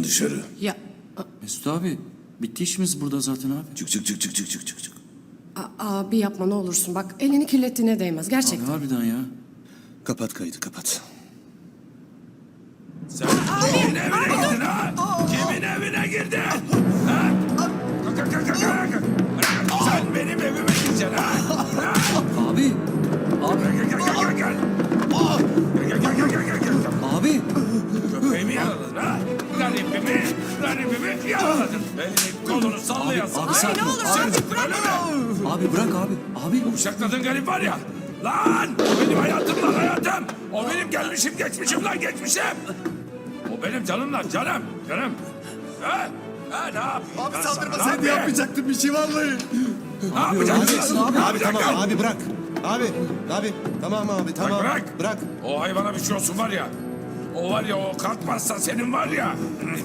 dışarı. Ya Mesut abi bitti işimiz burada zaten abi. Çık çık çık çık çık çık çık çık. abi yapma ne olursun. Bak elini kirlettiğine değmez Abi gerçekten. harbiden ya. Kapat kaydı kapat. Sen kimin evine girdin ha? Kimin evine girdin? Ha? Kalk. Sen benim evime gireceksin ha? Abi. Gel. Abi. Köpeğimi yaraladın ha? Garibimi yaraladın. Beni kolunu sallaya Abi sallaya. sakin ol. Sen bırak beni. Abi bırak abi. Abi. Uşakladığın garip var ya. Lan o benim hayatım lan hayatım. O benim gelmişim geçmişim lan geçmişim. O benim canım lan canım. Ha? Ha ne yapayım? Abi ben saldırma sana, sen de yapmayacaktın bir şey vallahi. Ne yapacaksın? Abi tamam abi bırak. Abi tamam abi tamam. Bırak. Bırak. O hayvana bir şey olsun var ya. O var ya o kalkmazsa senin var ya.